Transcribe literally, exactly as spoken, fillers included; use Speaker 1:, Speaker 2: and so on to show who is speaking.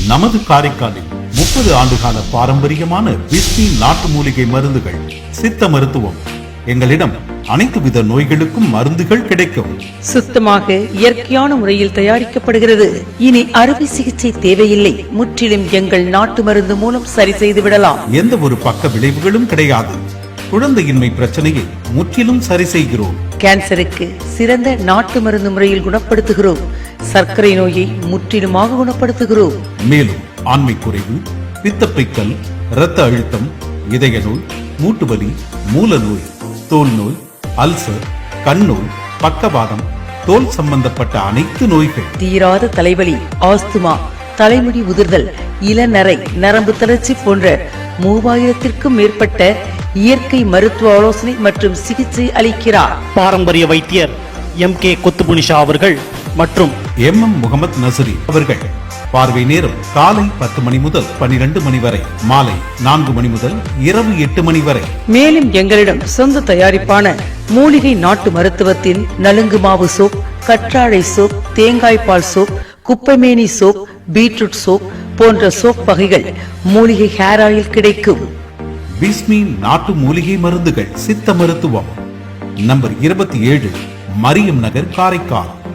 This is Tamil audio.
Speaker 1: நமது காரைக்காலில் முப்பது ஆண்டுகால பாரம்பரியமான பிஸ்மி நாட்டு மூலிகை மருந்துகள், சித்த மருத்துவம். எங்களிடம் அனைத்து வித நோய்களுக்கும் மருந்துகள் கிடைக்கும்.
Speaker 2: சுத்தமாக இயற்கையான முறையில் தயாரிக்கப்படுகிறது. இனி அறுவை சிகிச்சை தேவையில்லை. முற்றிலும் எங்கள் நாட்டு மருந்து மூலம் சரி செய்து விடலாம்.
Speaker 1: எந்த ஒரு பக்க விளைவுகளும் கிடையாது. குழந்தையின்மை பிரச்சனையை முற்றிலும் சரி செய்கிறோம்.
Speaker 2: கேன்சருக்கு சிறந்த நாட்டு மருந்து முறையில் குணப்படுத்துகிறோம். சர்க்கரை நோயை முற்றிலுமாக குணப்படுத்துகிறோம்.
Speaker 1: மேலும் ஆண்மை குறைவு, பித்தப்பைக்கல், இரத்த அழுத்தம், இதய நோய், மூட்டுவலி, மூல நோய், தோல் நோய், அல்சர், கண்ணோய், பக்கவாதம், தோல் சம்பந்தப்பட்ட அனைத்து நோய்கள்,
Speaker 2: தீராத தலைவலி, ஆஸ்துமா, தலைமுடி உதிர்தல், இளநரை, நரம்பு தளர்ச்சி போன்ற மூவாயிரத்திற்கும் மேற்பட்ட இயற்கை மருத்துவ ஆலோசனை மற்றும் சிகிச்சை அளிக்கிறார்.
Speaker 3: பாரம்பரிய வைத்தியர் எம் கே கொத்துபுனிஷா அவர்கள் மற்றும்
Speaker 1: எம் எம் முகமது நசரி அவர்கள். பார்வை நேரம் காலை பத்து மணி முதல் பனிரெண்டு மணி வரை, மாலை நான்கு மணி முதல் இரவு எட்டு மணி வரை.
Speaker 2: மேலும் எங்களிடம் சொந்த தயாரிப்பான மூலிகை நாட்டு மருத்துவத்தில் நலுங்கு மாவு சோப், கற்றாழை சோப், தேங்காய் பால் சோப், குப்பைமேனி சோப், பீட்ரூட் சோப் போன்ற சோப் வகைகள், மூலிகை ஹேர் ஆயில் கிடைக்கும்.
Speaker 1: பிஸ்மி நாட்டு மூலிகை மருந்துகள், சித்த மருத்துவம். நம்பர் இருபத்தி ஏழு, மரியம் நகர், காரைக்கால்.